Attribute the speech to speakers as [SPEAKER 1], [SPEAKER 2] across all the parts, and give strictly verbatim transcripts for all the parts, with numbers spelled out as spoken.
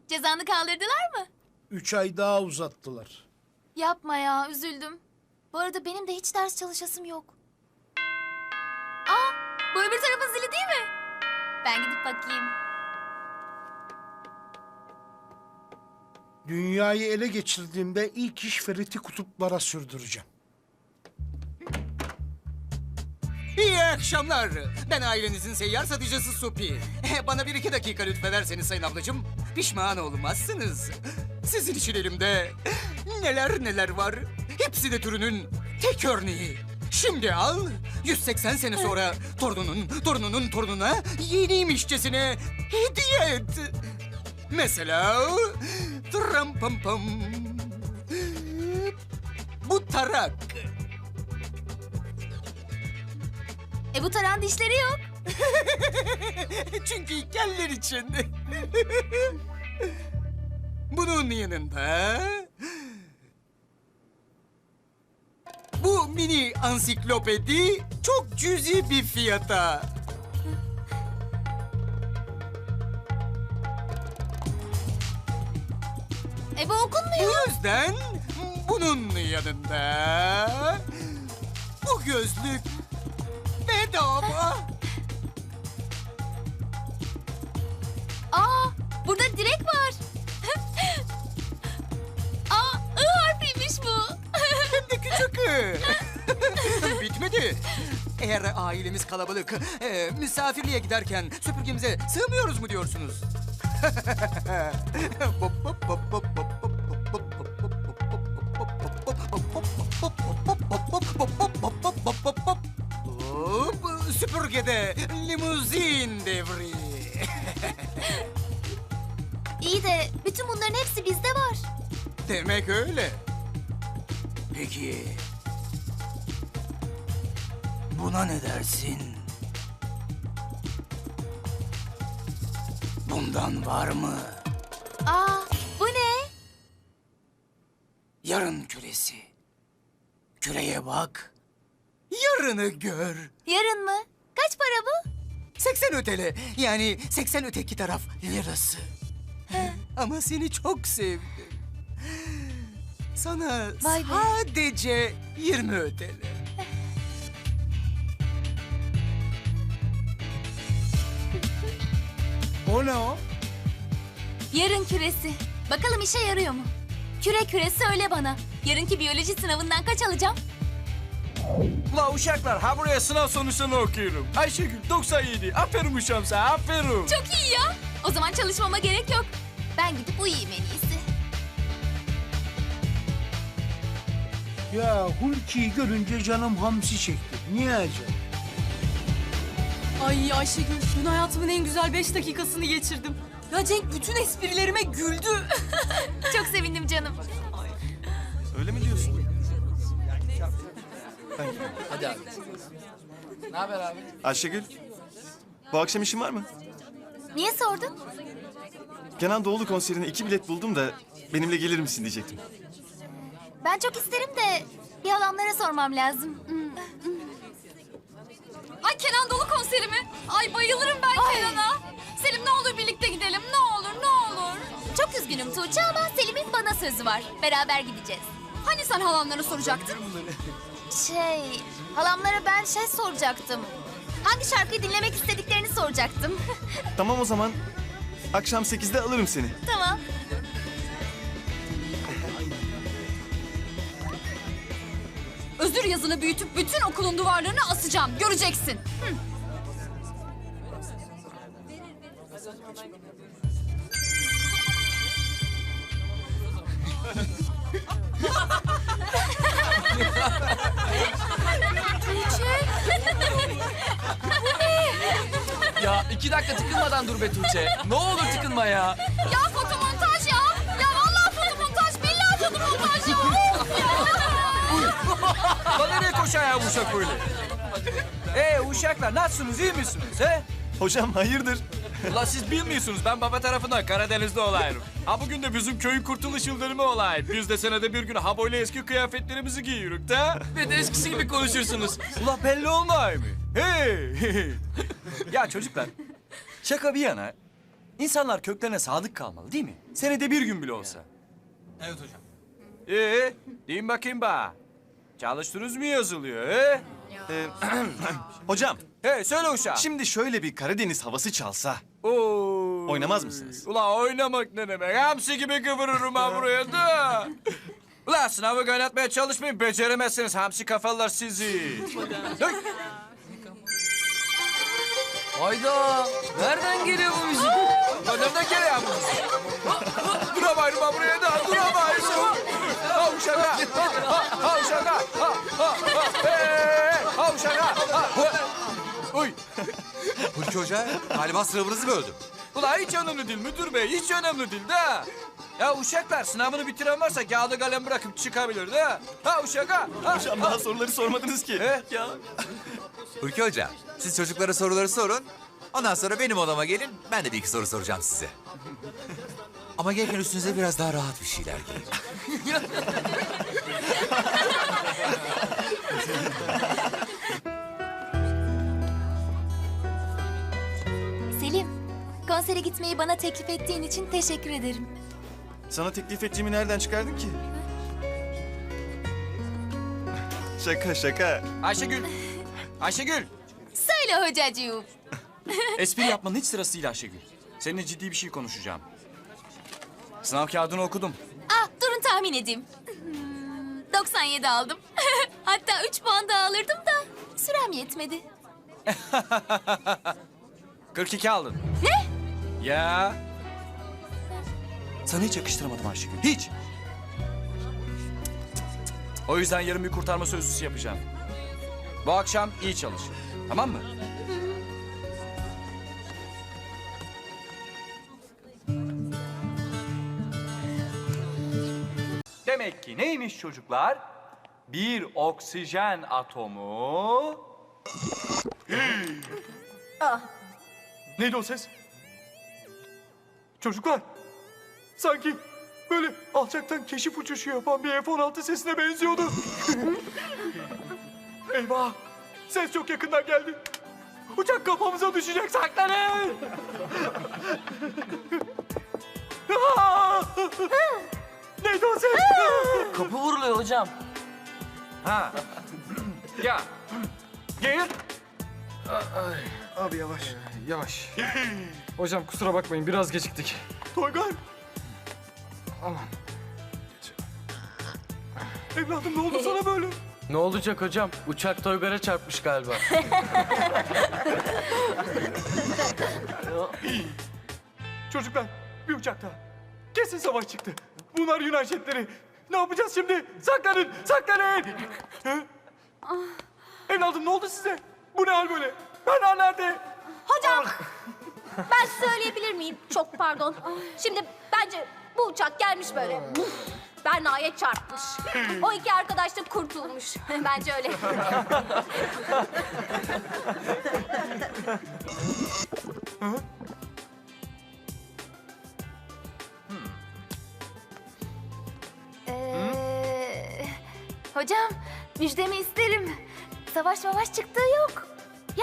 [SPEAKER 1] Cezanı kaldırdılar mı?
[SPEAKER 2] Üç ay daha uzattılar.
[SPEAKER 1] Yapma ya, üzüldüm. Bu arada benim de hiç ders çalışasım yok. Aa, bu öbür tarafın zili değil mi? Ben gidip bakayım.
[SPEAKER 2] Dünyayı ele geçirdiğimde ilk iş Ferit'i kutuplara sürdüreceğim.
[SPEAKER 3] İyi akşamlar. Ben ailenizin seyyar satıcısı Supi. Bana bir iki dakika lütfederseniz sayın ablacığım. Pişman olmazsınız. Sizin için elimde neler neler var. Hepsi de türünün tek örneği. Şimdi al, yüz seksen sene sonra torununun torununun torununa yeniymişçesine hediye et. Mesela tram pam pam. Bu tarak.
[SPEAKER 1] E bu taran dişleri yok.
[SPEAKER 3] Çünkü heykeller için. Bunun yanında... Bu mini ansiklopedi çok cüzi bir fiyata.
[SPEAKER 1] E bu okunmuyor.
[SPEAKER 3] Bu yüzden bunun yanında... Bu gözlük bedava.
[SPEAKER 1] Aa, burada direk var. Aa, I harfiymiş bu.
[SPEAKER 3] Hem de küçük. Bitmedi. Eğer ailemiz kalabalık, e, misafirliğe giderken süpürgemize sığmıyoruz mu diyorsunuz? Hop, süpürgede limuzin devri.
[SPEAKER 1] İyi de bütün bunların hepsi bizde var.
[SPEAKER 3] Demek öyle. Peki... Buna ne dersin? Bundan var mı?
[SPEAKER 1] Aa, bu ne?
[SPEAKER 3] Yarın küresi. Küreye bak. Yarını gör.
[SPEAKER 1] Yarın mı? Kaç para bu?
[SPEAKER 3] seksen ötele. Yani seksen öteki taraf lirası. Ama seni çok sevdim. Sana
[SPEAKER 1] Vay be.
[SPEAKER 3] sadece yirmi ötele.
[SPEAKER 2] O ne o?
[SPEAKER 1] Yarın küresi. Bakalım işe yarıyor mu? Küre küre söyle bana. Yarınki biyoloji sınavından kaç alacağım?
[SPEAKER 4] La uşaklar, ha buraya sınav sonuçlarını okuyorum. Ayşegül doksan yedi. Aferin uşağım sana, aferin.
[SPEAKER 1] Çok iyi ya. O zaman çalışmama gerek yok. Ben gidip uyuyayım en iyisi.
[SPEAKER 2] Ya Hulki'yi görünce canım hamsi çekti. Niye acaba?
[SPEAKER 5] Ay Ayşegül, dün hayatımın en güzel beş dakikasını geçirdim. Ya Cenk bütün esprilerime güldü.
[SPEAKER 1] Çok sevindim canım.
[SPEAKER 4] Öyle mi diyorsun?
[SPEAKER 6] Hadi abi. Ne haber abi?
[SPEAKER 7] Ayşegül, bu akşam işin var mı?
[SPEAKER 1] Niye sordun?
[SPEAKER 7] Kenan Doğulu konserine iki bilet buldum da benimle gelir misin diyecektim.
[SPEAKER 1] Ben çok isterim de bir halamlara sormam lazım. Hmm.
[SPEAKER 5] Ay Kenan Doğulu konseri mi? Ay bayılırım ben
[SPEAKER 1] Ay.
[SPEAKER 5] Kenan'a. Selim ne olur birlikte gidelim, ne olur ne olur.
[SPEAKER 1] Çok üzgünüm Tuğçe ama Selim'in bana sözü var. Beraber gideceğiz.
[SPEAKER 5] Hani sen halanlara soracaktın?
[SPEAKER 1] Şey, halamlara ben şey soracaktım. Hangi şarkıyı dinlemek istediklerini soracaktım.
[SPEAKER 7] Tamam o zaman. Akşam sekizde alırım seni.
[SPEAKER 1] Tamam.
[SPEAKER 5] Özür yazını büyütüp bütün okulun duvarlarına asacağım, göreceksin. Hı.
[SPEAKER 6] Ya iki dakika tıkınmadan dur be Tuğçe. Ne olur tıkınma ya.
[SPEAKER 5] Ya fotomontaj ya. Ya vallahi fotomontaj, billahi fotomontaj ya. Of ya.
[SPEAKER 4] La nereye koşar ya bu uşak öyle? Ee uşaklar, nasılsınız, iyi misiniz he?
[SPEAKER 7] Hocam hayırdır?
[SPEAKER 4] Ula siz bilmiyorsunuz, ben baba tarafından Karadeniz'de olayım. Ha bugün de bizim köyün kurtuluş yıldönümü olay. Biz de senede bir gün ha böyle eski kıyafetlerimizi giyiyoruz da.
[SPEAKER 6] Ve de eskisi gibi konuşursunuz.
[SPEAKER 4] Ula belli olmuyor mu? Hey! Ya çocuklar, şaka bir yana, İnsanlar köklerine sadık kalmalı değil mi? Senede bir gün bile olsa.
[SPEAKER 3] Evet hocam.
[SPEAKER 4] Ee, deyin bakayım bana. Çalıştınız mı yazılıyor he?
[SPEAKER 7] Ee, hocam,
[SPEAKER 4] He söyle uşağım.
[SPEAKER 7] şimdi şöyle bir Karadeniz havası çalsa.
[SPEAKER 4] Oo.
[SPEAKER 7] Oynamaz mısınız?
[SPEAKER 4] Ula oynamak ne demek? Hamsi gibi kıvırırım ha buraya da. Ula sınavı kaynatmaya çalışmayın. Beceremezsiniz hamsi kafalar sizi. Dök.
[SPEAKER 6] Hayda. Nereden geliyor bu müzik?
[SPEAKER 4] Ula nereden geliyor bu? Duramayırım ha buraya da. Duramayırım. Ha uşaka. Ha ha ha uşaka. Ha ha ha. Hey, ha uşaka. Ha ha. Uy.
[SPEAKER 8] Hulki Hoca galiba sınavınızı böldüm.
[SPEAKER 4] Ula hiç önemli değil müdür bey. Hiç önemli değil de. Ya uşaklar sınavını bitiren varsa kağıdı kalem bırakıp çıkabilir de. Ha uşak ha. ha.
[SPEAKER 7] Hocam daha soruları sormadınız ki.
[SPEAKER 4] He?
[SPEAKER 7] Ya.
[SPEAKER 8] Hulki Hoca siz çocuklara soruları sorun. Ondan sonra benim odama gelin. Ben de bir iki soru soracağım size. Ama gelirken üstünüze biraz daha rahat bir şeyler giyin.
[SPEAKER 1] Selim, konsere gitmeyi bana teklif ettiğin için teşekkür ederim.
[SPEAKER 7] Sana teklif ettiğimi nereden çıkardın ki? Şaka şaka.
[SPEAKER 4] Ayşegül. Ayşegül.
[SPEAKER 1] Söyle hocacığım.
[SPEAKER 4] Espri yapmanın hiç sırası değil Ayşegül. Seninle ciddi bir şey konuşacağım. Sınav kağıdını okudum.
[SPEAKER 1] Ah, durun tahmin edeyim. Hmm, doksan yedi aldım. Hatta üç puan daha alırdım da sürem yetmedi.
[SPEAKER 4] kırk iki aldın.
[SPEAKER 1] Ne?
[SPEAKER 4] Ya. Sana hiç yakıştıramadım Ayşegül. Hiç. O yüzden yarın bir kurtarma sözlüsü yapacağım. Bu akşam iyi çalış. Tamam mı? Demek ki neymiş çocuklar? Bir oksijen atomu... Neydi o ses? Çocuklar, sanki böyle alçaktan keşif uçuşu yapan bir F on altı sesine benziyordu. Eyvah, ses çok yakından geldi. Uçak kafamıza düşecek, saklanın! Aa! Neydi o ses?
[SPEAKER 6] Kapı vuruluyor hocam.
[SPEAKER 4] Ha. Ya. Gel.
[SPEAKER 9] Abi yavaş, yavaş. Hocam kusura bakmayın biraz geciktik.
[SPEAKER 4] Toygar.
[SPEAKER 9] Aman.
[SPEAKER 4] Evladım ne oldu sana böyle?
[SPEAKER 6] Ne olacak hocam? Uçak Toygar'a çarpmış galiba.
[SPEAKER 4] Çocuklar bir uçakta. Kesin savaş çıktı. Bunlar Yunan jetleri. Ne yapacağız şimdi? Saklanın, saklanın. Hı? Evladım ne oldu size? Bu ne hal böyle? Berna nerede?
[SPEAKER 10] Hocam, ben söyleyebilir miyim? Çok pardon. Şimdi bence bu uçak gelmiş böyle. Berna'ya çarpmış. O iki arkadaş da kurtulmuş. Bence öyle.
[SPEAKER 1] Ee, hocam, müjdemi isterim. Savaş mavaş çıktığı yok. Ya?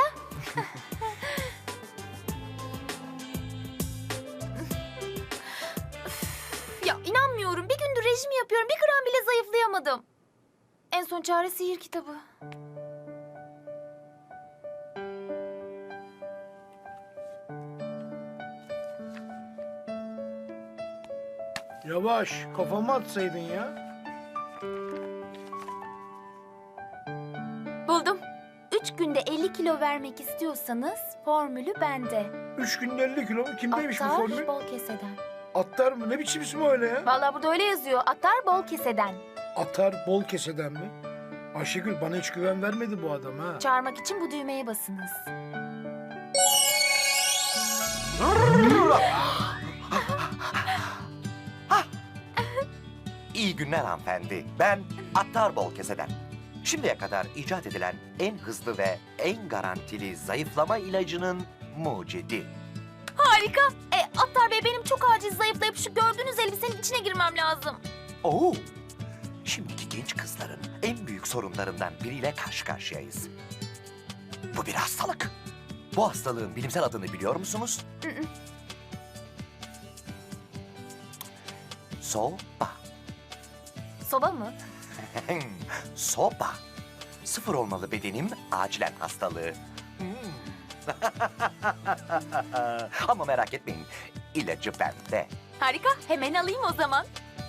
[SPEAKER 1] Ya inanmıyorum. Bir gündür rejim yapıyorum. Bir gram bile zayıflayamadım. En son çare sihir kitabı.
[SPEAKER 2] Yavaş, kafama atsaydın ya.
[SPEAKER 1] Buldum. Üç günde elli kilo vermek istiyorsanız formülü bende.
[SPEAKER 2] Üç günde elli kilo mu? Kimdeymiş bu
[SPEAKER 1] Attar
[SPEAKER 2] formül?
[SPEAKER 1] bol keseden.
[SPEAKER 2] Attar mı? Ne biçim ismi öyle ya?
[SPEAKER 1] Vallahi burada öyle yazıyor. Attar bol keseden.
[SPEAKER 2] Atar bol keseden mi? Ayşegül bana hiç güven vermedi bu adam ha.
[SPEAKER 1] Çağırmak için bu düğmeye basınız.
[SPEAKER 11] İyi günler hanımefendi. Ben Attar Bol Keseden. Şimdiye kadar icat edilen en hızlı ve en garantili zayıflama ilacının mucidi.
[SPEAKER 1] Harika. E, Attar Bey benim çok acil zayıflayıp şu gördüğünüz elbisenin içine girmem lazım.
[SPEAKER 11] Oo! Şimdiki genç kızların en büyük sorunlarından biriyle karşı karşıyayız. Bu bir hastalık. Bu hastalığın bilimsel adını biliyor musunuz? Soba.
[SPEAKER 1] Soba mı?
[SPEAKER 11] Soba. Sıfır olmalı bedenim, acilen hastalığı. Hmm. Ama merak etmeyin, ilacı bende.
[SPEAKER 1] Harika. Hemen alayım o zaman.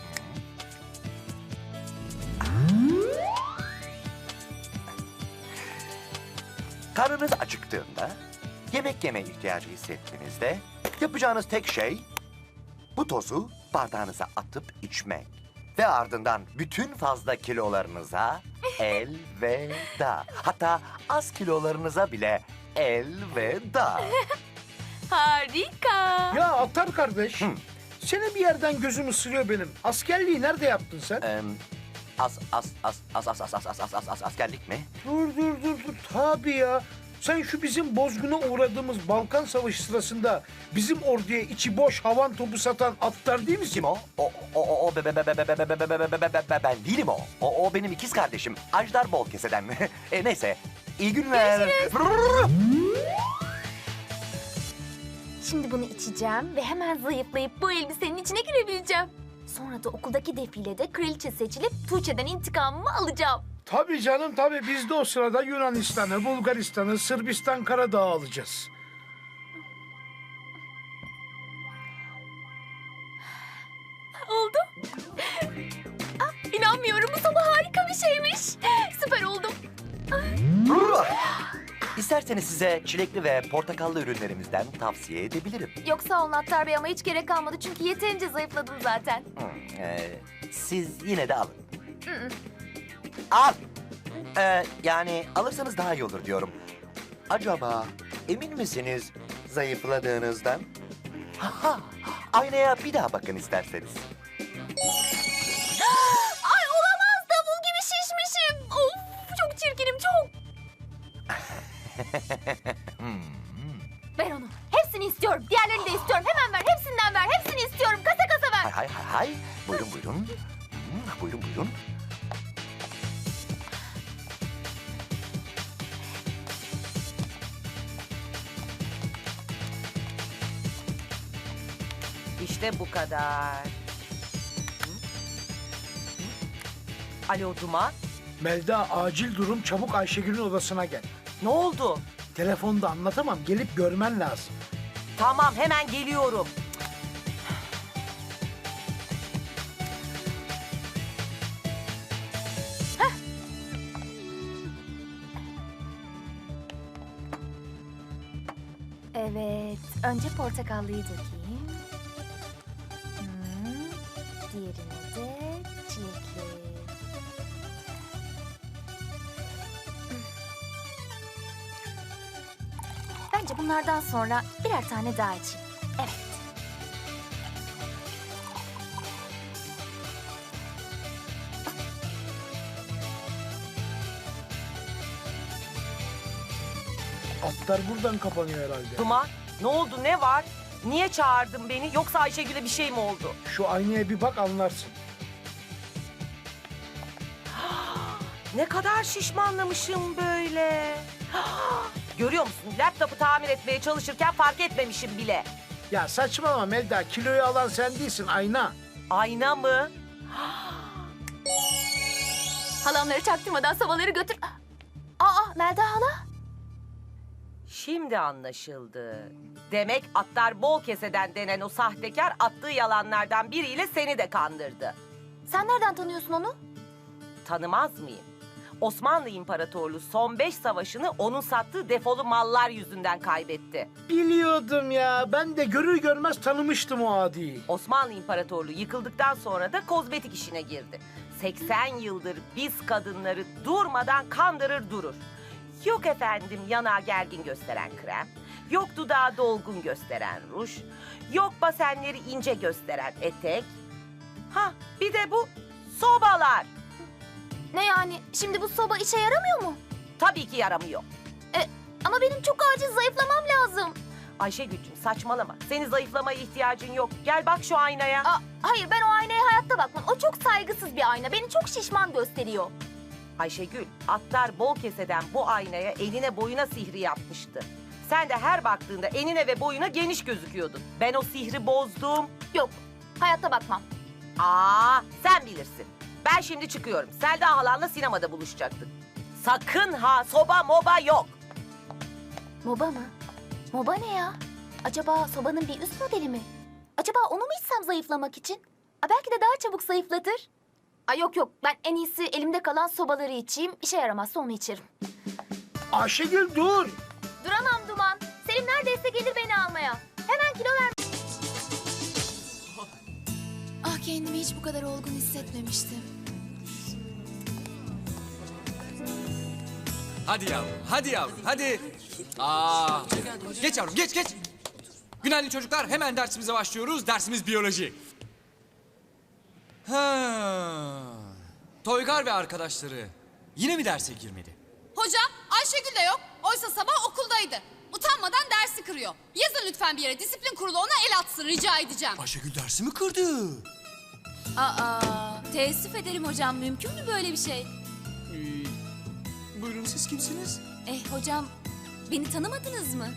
[SPEAKER 11] Karnınız acıktığında, yemek yeme ihtiyacı hissettiğinizde yapacağınız tek şey bu tozu bardağınıza atıp içmek. Ve ardından bütün fazla kilolarınıza elveda. Hatta az kilolarınıza bile elveda.
[SPEAKER 1] Harika.
[SPEAKER 2] Ya Attar kardeş,
[SPEAKER 11] Hı.
[SPEAKER 2] seni bir yerden gözüm ısırıyor benim. Askerliği nerede yaptın sen?
[SPEAKER 11] Ee, as, as, as, as, as, as, as, as, as, as, as, askerlik mi?
[SPEAKER 2] Dur dur dur dur. Tabii ya. Sen şu bizim bozguna uğradığımız Balkan Savaşı sırasında bizim orduya içi boş havan topu satan Attar değil misin?
[SPEAKER 11] Kim o? O, o, o, o, be, be, be, be, be, be, be, be, be, be, be, be, be, ben değilim o. O, o benim ikiz kardeşim. Ajdar Bolkese'den. e, neyse, iyi günler.
[SPEAKER 1] Şimdi bunu içeceğim ve hemen zayıflayıp bu elbisenin içine girebileceğim. Sonra da okuldaki defilede kraliçe seçilip Tuğçe'den intikamımı alacağım.
[SPEAKER 2] Tabii canım tabii. Biz de o sırada Yunanistan'ı, Bulgaristan'ı, Sırbistan Karadağ'ı alacağız.
[SPEAKER 1] Oldu. Ah, inanmıyorum. Bu sabah harika bir şeymiş. Süper oldum.
[SPEAKER 11] İsterseniz size çilekli ve portakallı ürünlerimizden tavsiye edebilirim.
[SPEAKER 1] Yok sağ olun Attar Bey ama hiç gerek kalmadı. Çünkü yeterince zayıfladım zaten.
[SPEAKER 11] Hmm, e, siz yine de alın.
[SPEAKER 1] Hı hı.
[SPEAKER 11] Al. Ee, yani alırsanız daha iyi olur diyorum. Acaba emin misiniz zayıfladığınızdan? Ha, aynaya bir daha bakın isterseniz.
[SPEAKER 1] Ay olamaz. Davul gibi şişmişim. Of çok çirkinim çok. Ver onu. Hepsini istiyorum. Diğerlerini de istiyorum. Hemen ver. Hepsinden ver. Hepsini istiyorum. Kasa kasa ver.
[SPEAKER 11] Hay hay hay hay. Buyurun buyurun. Hmm, buyurun buyurun.
[SPEAKER 12] İşte bu kadar. Alo Duman,
[SPEAKER 2] Melda acil durum, çabuk Ayşegül'ün odasına gel.
[SPEAKER 12] ne oldu?
[SPEAKER 2] Telefonda anlatamam, gelip görmen lazım.
[SPEAKER 12] Tamam, hemen geliyorum.
[SPEAKER 1] Evet. Önce portakallıyı dökeyim. Hmm, diğerini de çilekli. Bence bunlardan sonra birer tane daha içeyim. Evet.
[SPEAKER 2] Atlar buradan kapanıyor herhalde.
[SPEAKER 12] Duman, ne oldu, ne var? Niye çağırdın beni? Yoksa Ayşegül'e bir şey mi oldu?
[SPEAKER 2] Şu aynaya bir bak anlarsın.
[SPEAKER 12] Ne kadar şişmanlamışım böyle. Görüyor musun? Laptopu tamir etmeye çalışırken fark etmemişim bile.
[SPEAKER 2] Ya saçmalama Melda, kiloyu alan sen değilsin, ayna.
[SPEAKER 12] Ayna mı?
[SPEAKER 1] Halamları çaktırmadan sobaları götür. Aa Melda hala.
[SPEAKER 12] Şimdi anlaşıldı. Demek Attar Bolkese'den denen o sahtekar attığı yalanlardan biriyle seni de kandırdı.
[SPEAKER 1] Sen nereden tanıyorsun onu?
[SPEAKER 12] Tanımaz mıyım? Osmanlı İmparatorluğu son beş savaşını onun sattığı defolu mallar yüzünden kaybetti.
[SPEAKER 2] Biliyordum ya, ben de görür görmez tanımıştım o adiyi.
[SPEAKER 12] Osmanlı İmparatorluğu yıkıldıktan sonra da kozmetik işine girdi. seksen yıldır biz kadınları durmadan kandırır durur. Yok efendim yanağı gergin gösteren krem, yok dudağı dolgun gösteren ruj, yok basenleri ince gösteren etek. Ha bir de bu sobalar.
[SPEAKER 1] Ne yani? Şimdi bu soba işe yaramıyor mu?
[SPEAKER 12] Tabii ki yaramıyor.
[SPEAKER 1] E, ama benim çok acil zayıflamam lazım.
[SPEAKER 12] Ayşegül'cüm saçmalama. Senin zayıflamaya ihtiyacın yok. Gel bak şu aynaya.
[SPEAKER 1] Aa, hayır ben o aynaya hayatta bakmam. O çok saygısız bir ayna. Beni çok şişman gösteriyor.
[SPEAKER 12] Ayşegül, Attar Bolkese'den bu aynaya eline boyuna sihri yapmıştı. Sen de her baktığında enine ve boyuna geniş gözüküyordun. Ben o sihri bozdum.
[SPEAKER 1] Yok, hayatta bakmam.
[SPEAKER 12] Aa, sen bilirsin. Ben şimdi çıkıyorum. Selda halanla sinemada buluşacaktık. Sakın ha, soba moba yok.
[SPEAKER 1] Moba mı? Moba ne ya? Acaba sobanın bir üst modeli mi? Acaba onu mu içsem zayıflamak için? A, belki de daha çabuk zayıflatır. Ay yok yok, ben en iyisi elimde kalan sobaları içeyim. İşe yaramazsa onu içerim.
[SPEAKER 2] Ayşegül dur.
[SPEAKER 1] Duramam Duman. Selim neredeyse gelir beni almaya. Hemen kilo ver. Ah, kendimi hiç bu kadar olgun hissetmemiştim.
[SPEAKER 6] Hadi yavrum, hadi yavrum, hadi. Aa, geç yavrum, geç geç. Günaydın çocuklar, hemen dersimize başlıyoruz. Dersimiz biyoloji. Ha. Toygar ve arkadaşları yine mi derse girmedi?
[SPEAKER 5] Hocam Ayşegül de yok. Oysa sabah okuldaydı. Utanmadan dersi kırıyor. Yazın lütfen bir yere, disiplin kurulu ona el atsın, rica edeceğim.
[SPEAKER 6] Ayşegül dersi mi kırdı?
[SPEAKER 5] Aa, teessüf ederim hocam. Mümkün mü böyle bir şey?
[SPEAKER 6] Ee, buyurun siz kimsiniz?
[SPEAKER 5] Eh hocam, beni tanımadınız mı?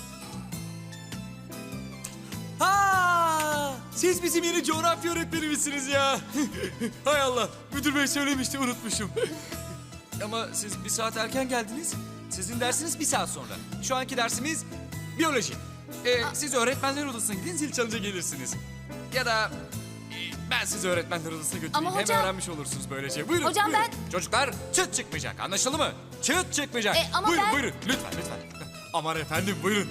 [SPEAKER 6] Ha! Siz bizim yeni coğrafya öğretmenimizsiniz ya. Hay Allah, müdür bey söylemişti, unutmuşum. Ama siz bir saat erken geldiniz. Sizin dersiniz bir saat sonra. Şu anki dersimiz biyoloji. Ee, siz öğretmenler odasına gidin, zil çalınca gelirsiniz. Ya da e, ben sizi öğretmenler odasına götüreyim.
[SPEAKER 5] Ama
[SPEAKER 6] Hem
[SPEAKER 5] hocam-
[SPEAKER 6] öğrenmiş olursunuz böylece. Buyurun,
[SPEAKER 5] Hocam
[SPEAKER 6] buyurun.
[SPEAKER 5] ben-
[SPEAKER 6] Çocuklar, çıt çıkmayacak, anlaşıldı mı? Çıt çıkmayacak.
[SPEAKER 5] E, ama
[SPEAKER 6] buyurun,
[SPEAKER 5] ben-
[SPEAKER 6] buyurun, lütfen, lütfen. Aman efendim, buyurun.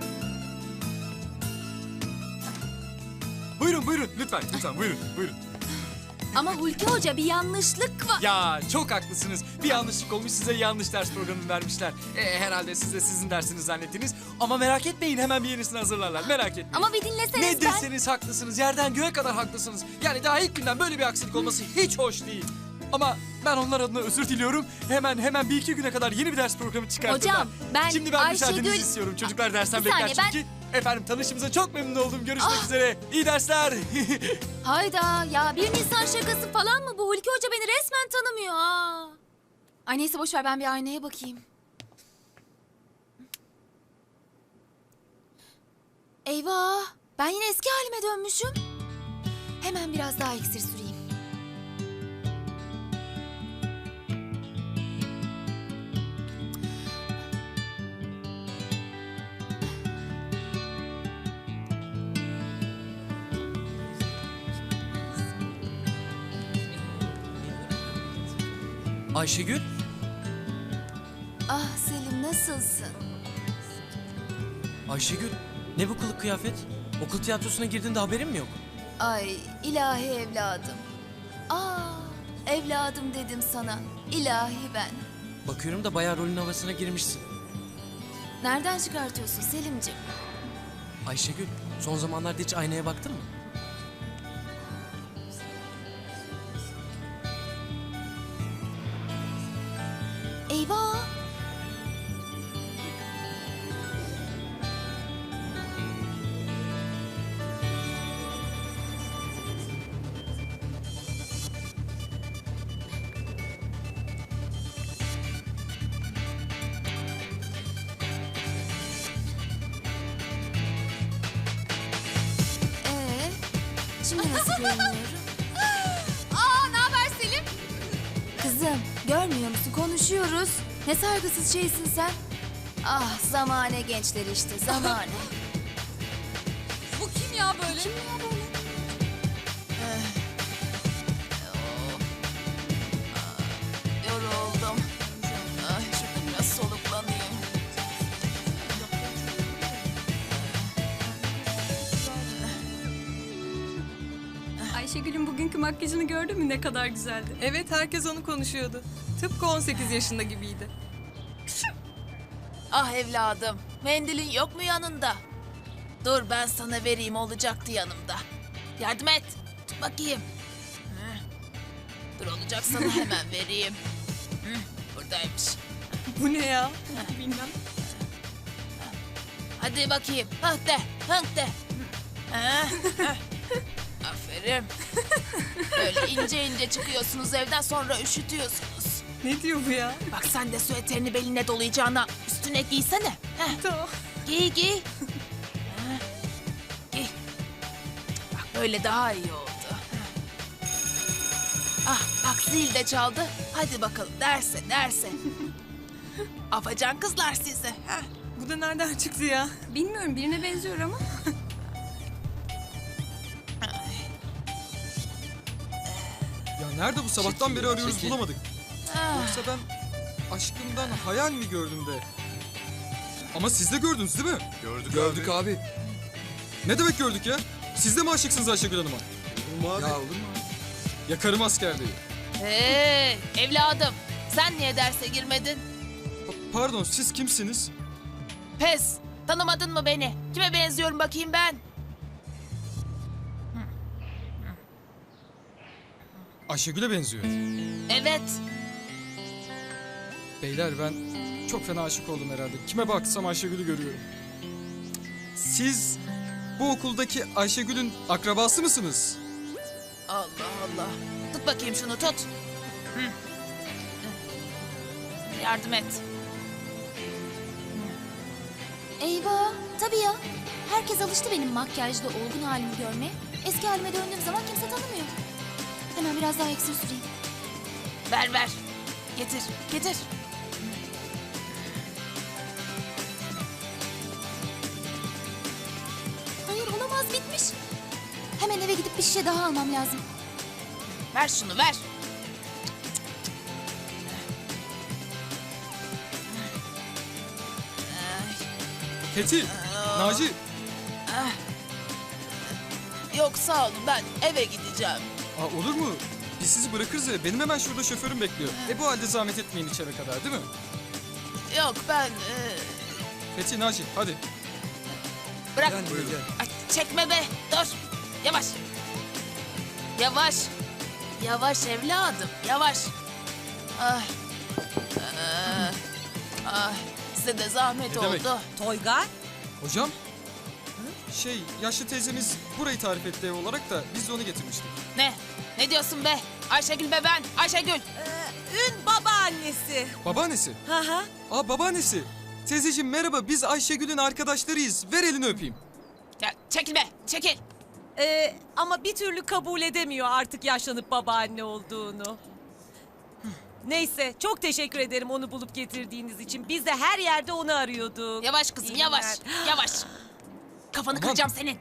[SPEAKER 6] Buyurun, buyurun, lütfen, lütfen, buyurun, buyurun.
[SPEAKER 5] Ama Hulki Hoca, bir yanlışlık var.
[SPEAKER 6] Ya çok haklısınız. Bir yanlışlık olmuş, size yanlış ders programı vermişler. E, herhalde siz de sizin dersiniz zannettiniz. Ama merak etmeyin, hemen bir yenisini hazırlarlar. Merak etmeyin.
[SPEAKER 5] Ama bir dinleseniz
[SPEAKER 6] Ne
[SPEAKER 5] ben...
[SPEAKER 6] deseniz haklısınız. Yerden göğe kadar haklısınız. Yani daha ilk günden böyle bir aksilik olması hiç hoş değil. Ama ben onlar adına özür diliyorum. Hemen hemen bir iki güne kadar yeni bir ders programı çıkartırlar.
[SPEAKER 5] Hocam, ben
[SPEAKER 6] Şimdi ben müsaadenizi
[SPEAKER 5] Ayşegül-
[SPEAKER 6] istiyorum. Çocuklar dersten
[SPEAKER 5] Bir
[SPEAKER 6] bekler
[SPEAKER 5] saniye, ben-
[SPEAKER 6] çünkü. Efendim tanışımıza çok memnun oldum. Görüşmek
[SPEAKER 5] Ah!
[SPEAKER 6] üzere. İyi dersler.
[SPEAKER 5] Hayda ya, bir Nisan şakası falan mı bu? Hulki Hoca beni resmen tanımıyor ha. Ay neyse, boş ver, ben bir aynaya bakayım. Eyvah, ben yine eski halime dönmüşüm. Hemen biraz daha iksir süreyim.
[SPEAKER 6] Ayşegül.
[SPEAKER 1] Ah Selim, nasılsın?
[SPEAKER 13] Ayşegül, ne bu kılık kıyafet? Okul tiyatrosuna girdiğinde haberin mi yok?
[SPEAKER 1] Ay ilahi evladım. Aa, evladım dedim sana. İlahi ben.
[SPEAKER 13] Bakıyorum da bayağı rolün havasına girmişsin.
[SPEAKER 1] Nereden çıkartıyorsun Selimciğim?
[SPEAKER 13] Ayşegül, son zamanlarda hiç aynaya baktın mı?
[SPEAKER 1] Eyvah! Ee, şimdi nasıl görünüyorum?
[SPEAKER 5] Aa, ne haber Selim?
[SPEAKER 1] Kızım, görmüyor musun? Konuşuyoruz. Ne saygısız şeysin sen. Ah, zamane gençleri işte, zamane.
[SPEAKER 5] Bu kim ya böyle?
[SPEAKER 1] Kim ya böyle? Yoruldum. Ay, şurada biraz soluklanayım.
[SPEAKER 5] Ayşegül'ün bugünkü makyajını gördün mü, ne kadar güzeldi?
[SPEAKER 14] Evet, herkes onu konuşuyordu. Tıpkı on sekiz yaşında gibiydi.
[SPEAKER 15] Ah evladım, mendilin yok mu yanında? Dur ben sana vereyim, olacaktı yanımda. Yardım et, tut bakayım. Hı. Dur olacak, sana hemen vereyim. Hı, buradaymış.
[SPEAKER 14] Bu ne ya? Bilmem.
[SPEAKER 15] Hadi bakayım, hıh de, hıh de. Hı, hı. Aferin. Böyle ince ince çıkıyorsunuz evden, sonra üşütüyorsunuz.
[SPEAKER 14] Ne diyor bu ya?
[SPEAKER 15] Bak sen de süeterini beline dolayacağına üstüne giysene. Heh.
[SPEAKER 14] Tamam.
[SPEAKER 15] Giy giy. Heh. Giy. Bak böyle daha iyi oldu. Heh. Bak zil de çaldı. Hadi bakalım derse derse. Afacan kızlar sizi. Ha?
[SPEAKER 14] Bu da nereden çıktı ya?
[SPEAKER 5] Bilmiyorum, birine benziyor ama.
[SPEAKER 4] Ya nerede bu sabahtan beri arıyoruz
[SPEAKER 6] çekil.
[SPEAKER 4] bulamadık.
[SPEAKER 15] Ah.
[SPEAKER 4] Yoksa ben aşkımdan hayal mi gördüm de? Ama siz de gördünüz değil mi?
[SPEAKER 8] Gördük,
[SPEAKER 4] Gördük abi. Ne demek gördük ya? Siz de mi aşıksınız Ayşegül Hanım'a?
[SPEAKER 6] Olur mu abi?
[SPEAKER 4] Ya olur mu? Yakarım asker değil.
[SPEAKER 15] Hey evladım, sen niye derse girmedin?
[SPEAKER 4] Pa- pardon siz kimsiniz?
[SPEAKER 15] Pes, tanımadın mı beni? Kime benziyorum bakayım ben?
[SPEAKER 4] Ayşegül'e benziyor.
[SPEAKER 15] Evet.
[SPEAKER 4] Beyler ben çok fena aşık oldum herhalde. Kime baksam Ayşegül'ü görüyorum. Siz bu okuldaki Ayşegül'ün akrabası mısınız?
[SPEAKER 15] Allah Allah. Tut bakayım şunu tut. Hı. Yardım et.
[SPEAKER 5] Eyvah, tabii ya. Herkes alıştı benim makyajlı olgun halimi görmeye. Eski halime döndüğüm zaman kimse tanımıyor. Hemen biraz daha iksir süreyim.
[SPEAKER 15] Ver ver. Getir getir.
[SPEAKER 5] Hayır, olamaz, bitmiş. Hemen eve gidip bir şişe daha almam lazım.
[SPEAKER 15] Ver şunu ver.
[SPEAKER 4] Fethi, Naci.
[SPEAKER 15] Yok sağ olun, ben eve gideceğim.
[SPEAKER 4] Aa, olur mu? Biz sizi bırakırız ya. Benim hemen şurada şoförüm bekliyor. E bu halde zahmet etmeyin içeri kadar değil mi?
[SPEAKER 15] Yok ben... e,
[SPEAKER 4] Fethi, Naci hadi.
[SPEAKER 15] Bırak.
[SPEAKER 4] Gel, buyurun.
[SPEAKER 15] Ay, çekme be. Dur. Yavaş. Yavaş. Yavaş evladım. Yavaş. Ah. Ah. Ah. Size de zahmet
[SPEAKER 4] Ne demek?
[SPEAKER 15] oldu.
[SPEAKER 12] Toygar?
[SPEAKER 4] Hocam? Şey, yaşlı teyzemiz burayı tarif etti ev olarak da biz de onu getirmiştik.
[SPEAKER 15] Ne? Ne diyorsun be? Ayşegül be ben. Ayşegül.
[SPEAKER 12] Ün babaannesi.
[SPEAKER 4] Babaannesi?
[SPEAKER 12] Hı hı.
[SPEAKER 4] Aa babaannesi. Teyzeciğim merhaba, biz Ayşegül'ün arkadaşlarıyız. Ver elini öpeyim.
[SPEAKER 15] Ya çekil be. Çekil.
[SPEAKER 12] Ee, ama bir türlü kabul edemiyor artık yaşlanıp babaanne olduğunu. Neyse, çok teşekkür ederim onu bulup getirdiğiniz için. Biz de her yerde onu arıyorduk.
[SPEAKER 15] Yavaş kızım
[SPEAKER 12] İyi
[SPEAKER 15] yavaş.
[SPEAKER 12] günler.
[SPEAKER 15] Yavaş. Kafanı
[SPEAKER 4] Aman.
[SPEAKER 15] kıracağım senin.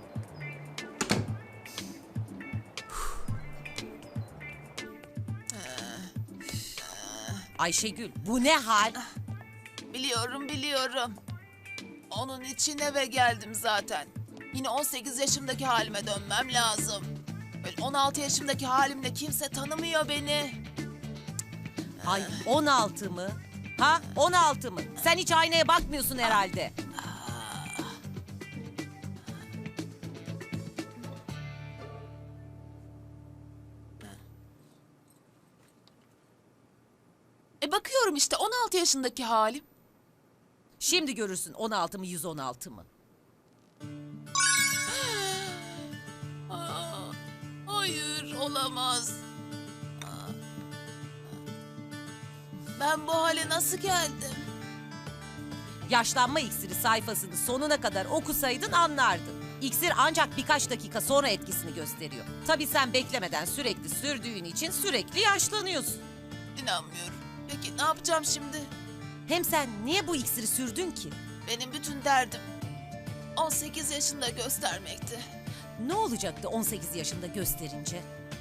[SPEAKER 12] Ayşegül, bu ne hal?
[SPEAKER 15] Biliyorum biliyorum. Onun için eve geldim zaten. Yine on sekiz yaşımdaki halime dönmem lazım. Böyle on altı yaşımdaki halimle kimse tanımıyor beni.
[SPEAKER 12] Ay, on altı mı? Ha, on altı mı? Sen hiç aynaya bakmıyorsun herhalde.
[SPEAKER 15] E bakıyorum işte on altı yaşındaki halim.
[SPEAKER 12] Şimdi görürsün on altı mı yüz on altı mı?
[SPEAKER 15] Aa, hayır olamaz. Aa. Ben bu hale nasıl geldim?
[SPEAKER 12] Yaşlanma iksiri sayfasını sonuna kadar okusaydın anlardın. İksir ancak birkaç dakika sonra etkisini gösteriyor. Tabii sen beklemeden sürekli sürdüğün için sürekli yaşlanıyorsun.
[SPEAKER 15] İnanmıyorum. Peki ne yapacağım şimdi?
[SPEAKER 12] Hem sen niye bu iksiri sürdün ki?
[SPEAKER 15] Benim bütün derdim on sekiz yaşında göstermekti.
[SPEAKER 12] Ne olacaktı on sekiz yaşında gösterince?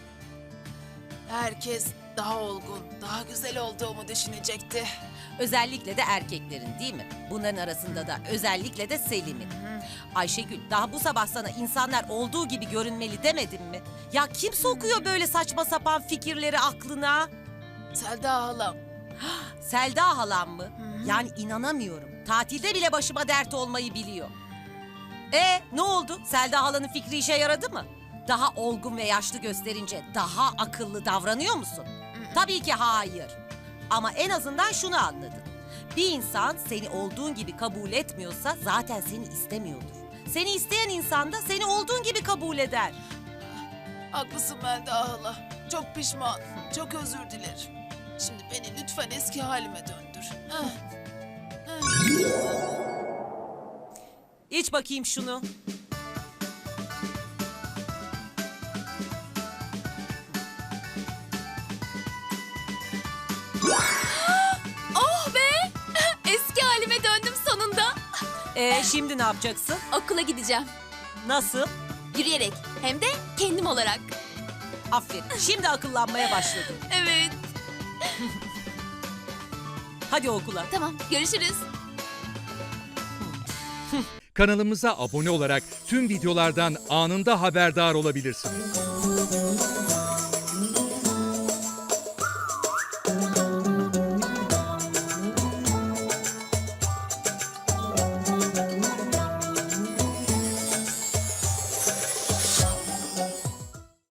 [SPEAKER 15] Herkes daha olgun, daha güzel olduğumu düşünecekti.
[SPEAKER 12] Özellikle de erkeklerin değil mi? Bunların arasında da özellikle de Selim'in. Ayşegül, daha bu sabah sana insanlar olduğu gibi görünmeli demedim mi? Ya kim sokuyor böyle saçma sapan fikirleri aklına?
[SPEAKER 15] Selda halam.
[SPEAKER 12] Selda halam mı? Yani inanamıyorum. Tatilde bile başıma dert olmayı biliyor. E ne oldu? Selda halanın fikri işe yaradı mı? Daha olgun ve yaşlı gösterince daha akıllı davranıyor musun? Tabii ki hayır. Ama en azından şunu anladın. Bir insan seni olduğun gibi kabul etmiyorsa zaten seni istemiyordur. Seni isteyen insan da seni olduğun gibi kabul eder.
[SPEAKER 15] Haklısın Melda hala. Çok pişman, çok özür dilerim. Şimdi beni lütfen eski halime döndür. Heh.
[SPEAKER 12] İç bakayım şunu.
[SPEAKER 16] Ee, şimdi ne yapacaksın?
[SPEAKER 5] Okula gideceğim.
[SPEAKER 16] Nasıl?
[SPEAKER 5] Yürüyerek. Hem de kendim olarak.
[SPEAKER 16] Aferin. Şimdi akıllanmaya başladın.
[SPEAKER 5] Evet.
[SPEAKER 16] Hadi okula.
[SPEAKER 5] Tamam, görüşürüz.
[SPEAKER 17] Kanalımıza abone olarak tüm videolardan anında haberdar olabilirsiniz.